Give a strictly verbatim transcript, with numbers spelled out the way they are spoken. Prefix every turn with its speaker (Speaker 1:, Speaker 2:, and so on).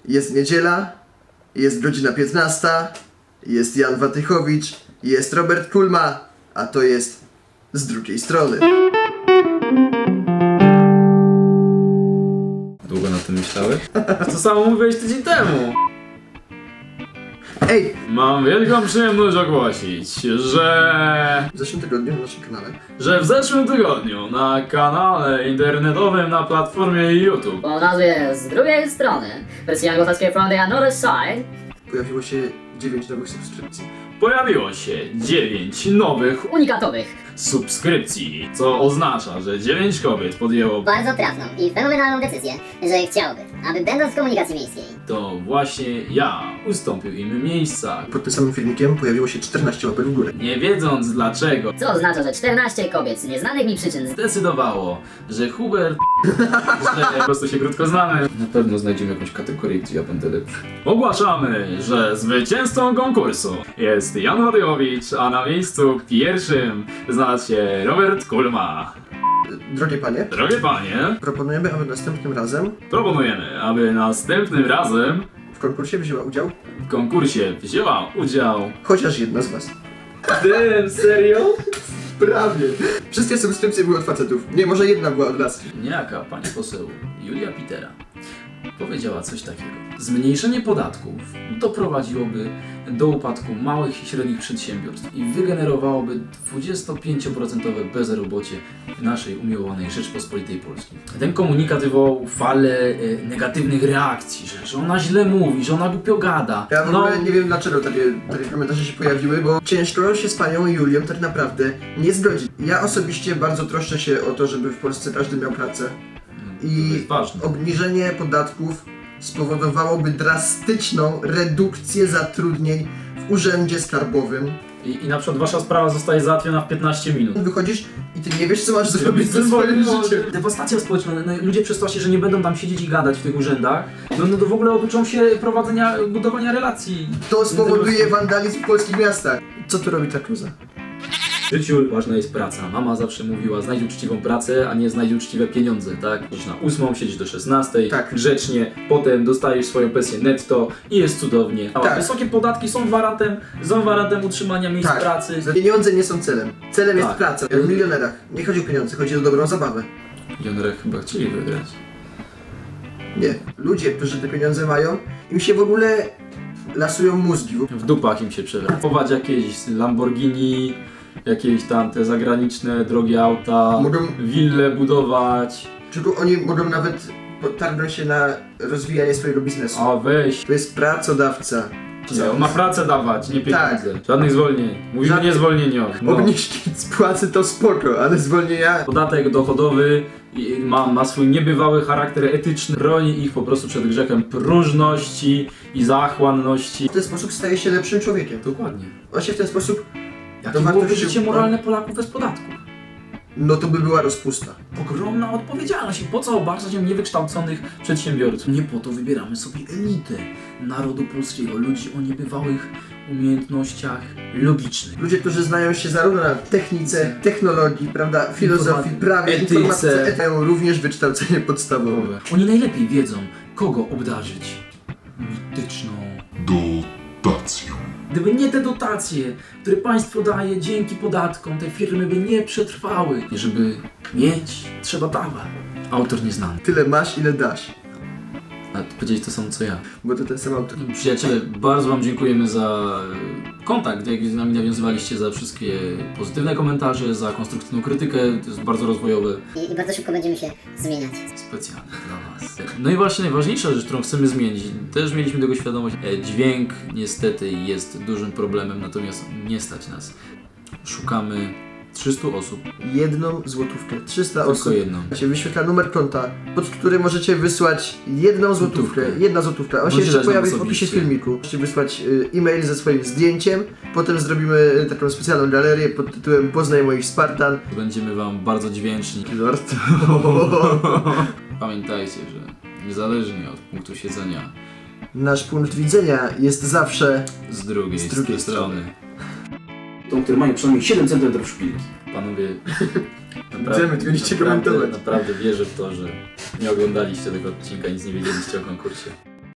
Speaker 1: Jest niedziela, jest godzina piętnasta, jest Jan Watychowicz, jest Robert Kulma, a to jest Z drugiej strony.
Speaker 2: Długo na tym myślałeś? To samo mówiłeś tydzień temu.
Speaker 1: Ej!
Speaker 2: Mam wielką przyjemność ogłosić, że...
Speaker 1: W zeszłym tygodniu na naszym kanale
Speaker 2: że w zeszłym tygodniu na kanale internetowym na platformie YouTube
Speaker 3: O nazwie Z drugiej strony, wersja anglosaskie From the Other Side,
Speaker 1: pojawiło się dziewięć nowych subskrypcji.
Speaker 2: pojawiło się dziewięć nowych
Speaker 3: unikatowych.
Speaker 2: subskrypcji, co oznacza, że dziewięć kobiet podjęło
Speaker 4: bardzo trafną i fenomenalną decyzję, że chciałby, aby będąc w komunikacji miejskiej,
Speaker 2: to właśnie ja ustąpił im miejsca,
Speaker 1: Pod tym samym filmikiem pojawiło się czternaście łapek w górę.
Speaker 2: nie wiedząc dlaczego.
Speaker 3: Co oznacza, że czternaście kobiet z nieznanych mi przyczyn
Speaker 2: Zdecydowało, że Hubert, że po prostu się krótko znamy. Na pewno znajdziemy jakąś kategorię, gdzie ja będę lepszy. Ogłaszamy, że zwycięzcą konkursu jest Jan Watychowicz, a na miejscu pierwszym znalazł się Robert Kulma.
Speaker 1: Drogie panie,
Speaker 2: Drogie panie,
Speaker 1: proponujemy, aby następnym razem
Speaker 2: proponujemy, aby następnym razem
Speaker 1: w konkursie wzięła udział
Speaker 2: w konkursie wzięła udział...
Speaker 1: chociaż jedna z was.
Speaker 2: Ty, serio?
Speaker 1: Prawie. Wszystkie subskrypcje były od facetów. Nie, może jedna była od nas.
Speaker 2: Niejaka pani poseł Julia Pitera powiedziała coś takiego. Zmniejszenie podatków doprowadziłoby do upadku małych i średnich przedsiębiorstw i wygenerowałoby dwudziestopięcioprocentowe bezrobocie w naszej umiłowanej Rzeczpospolitej Polskiej. Ten komunikat wywołał falę e, negatywnych reakcji, że, że ona źle mówi, że ona głupio gada.
Speaker 1: Ja w
Speaker 2: No,
Speaker 1: ogóle nie wiem dlaczego takie, takie komentarze się pojawiły, bo ciężko się z panią Julią tak naprawdę nie zgodzić. Ja osobiście bardzo troszczę się o to, żeby w Polsce każdy miał pracę.
Speaker 2: to
Speaker 1: I
Speaker 2: jest ważne.
Speaker 1: obniżenie podatków spowodowałoby drastyczną redukcję zatrudnień w urzędzie skarbowym.
Speaker 2: I, I na przykład wasza sprawa zostaje załatwiona w piętnaście minut.
Speaker 1: Wychodzisz i ty nie wiesz, co masz zrobić ze swoim życiem.
Speaker 2: Dewastacja społeczna, no, ludzie przez to się, że nie będą tam siedzieć i gadać w tych urzędach, no, no to w ogóle oduczą się prowadzenia, budowania relacji.
Speaker 1: To spowoduje wandalizm w polskich miastach. Co tu robi ta kluza?
Speaker 2: W życiu ważna jest praca. Mama zawsze mówiła, znajdź uczciwą pracę, a nie znajdź uczciwe pieniądze, tak? Siedzisz na ósmą, siedzisz do szesnastej,
Speaker 1: Tak.
Speaker 2: grzecznie, potem dostajesz swoją pensję netto i jest cudownie. A
Speaker 1: Tak.
Speaker 2: wysokie podatki są gwarantem, są gwarantem utrzymania miejsc
Speaker 1: Tak.
Speaker 2: pracy.
Speaker 1: Pieniądze nie są celem. Celem jest
Speaker 2: Tak.
Speaker 1: praca. Jak w milionerach. Nie chodzi o pieniądze, chodzi o dobrą zabawę.
Speaker 2: Milionerzy chyba chcieli wygrać.
Speaker 1: Nie. Ludzie, którzy te pieniądze mają, im się w ogóle lasują mózgi.
Speaker 2: W dupach im się przewraca. Kupować jakieś Lamborghini, jakieś tam te zagraniczne drogie auta,
Speaker 1: Mogą-
Speaker 2: wille budować.
Speaker 1: Tylko oni mogą nawet potargnąć się na rozwijanie swojego biznesu.
Speaker 2: A weź.
Speaker 1: To jest pracodawca.
Speaker 2: Nie, on ma pracę dawać, nie pieniądze.
Speaker 1: Tak.
Speaker 2: Żadnych zwolnień. Mówimy
Speaker 1: Żadnych-
Speaker 2: nie zwolnieniowych. No.
Speaker 1: Obniżki z płacy to spoko, ale zwolnienia...
Speaker 2: Podatek dochodowy i ma, ma swój niebywały charakter etyczny. Broni ich po prostu przed grzechem próżności i zachłanności.
Speaker 1: W ten sposób staje się lepszym człowiekiem.
Speaker 2: Dokładnie.
Speaker 1: On się w ten sposób...
Speaker 2: Jakie
Speaker 1: wartości-
Speaker 2: byłoby życie moralne Polaków bez podatków?
Speaker 1: No to by była rozpusta.
Speaker 2: Ogromna odpowiedzialność. I po co obarczać ją niewykształconych przedsiębiorców? Nie po to wybieramy sobie elitę narodu polskiego, ludzi o niebywałych umiejętnościach logicznych.
Speaker 1: Ludzie, którzy znają się zarówno na technice, technologii, prawda, filozofii, prawie,
Speaker 2: etyce.
Speaker 1: informatyce, mają również wykształcenie podstawowe.
Speaker 2: Oni najlepiej wiedzą, kogo obdarzyć mityczną
Speaker 5: Dotacją.
Speaker 2: Gdyby nie te dotacje, które państwo daje dzięki podatkom, te firmy by nie przetrwały. Żeby mieć, trzeba dawać. Autor nieznany.
Speaker 1: Tyle masz, ile dasz.
Speaker 2: A powiedzieć to samo co ja.
Speaker 1: Bo to ten sam autor.
Speaker 2: Przyjaciele, bardzo wam dziękujemy za kontakt, jaki z nami nawiązywaliście, za wszystkie pozytywne komentarze, za konstruktywną krytykę, to jest bardzo rozwojowe.
Speaker 4: i, i bardzo szybko będziemy się zmieniać.
Speaker 2: Specjalnie dla was. No i właśnie najważniejsza rzecz, którą chcemy zmienić, też mieliśmy tego świadomość, e, dźwięk niestety jest dużym problemem, natomiast nie stać nas. Szukamy trzystu osób,
Speaker 1: Jedną złotówkę. trzysta
Speaker 2: tylko
Speaker 1: osób.
Speaker 2: jedną.
Speaker 1: Się wyświetla numer konta, pod który możecie wysłać jedną złotówkę.
Speaker 2: Złotówkę.
Speaker 1: Jedna złotówka. On się
Speaker 2: Możecie
Speaker 1: jeszcze
Speaker 2: dać nam
Speaker 1: pojawi w
Speaker 2: osobiście.
Speaker 1: opisie filmiku. Możecie wysłać y, e-mail ze swoim zdjęciem. Potem zrobimy taką specjalną galerię pod tytułem Poznaj moich Spartan.
Speaker 2: Będziemy wam bardzo dźwięczni.
Speaker 1: Lord.
Speaker 2: Pamiętajcie, że niezależnie od punktu siedzenia,
Speaker 1: Nasz punkt widzenia jest zawsze
Speaker 2: z drugiej,
Speaker 1: Z drugiej
Speaker 2: strony. Tą, które mają przynajmniej siedem centymetrów szpilki. Panowie,
Speaker 1: Idziemy, tylko nie chcecie
Speaker 2: naprawdę,
Speaker 1: komentować.
Speaker 2: naprawdę wierzę w to, że nie oglądaliście tego odcinka, nic nie wiedzieliście o konkursie.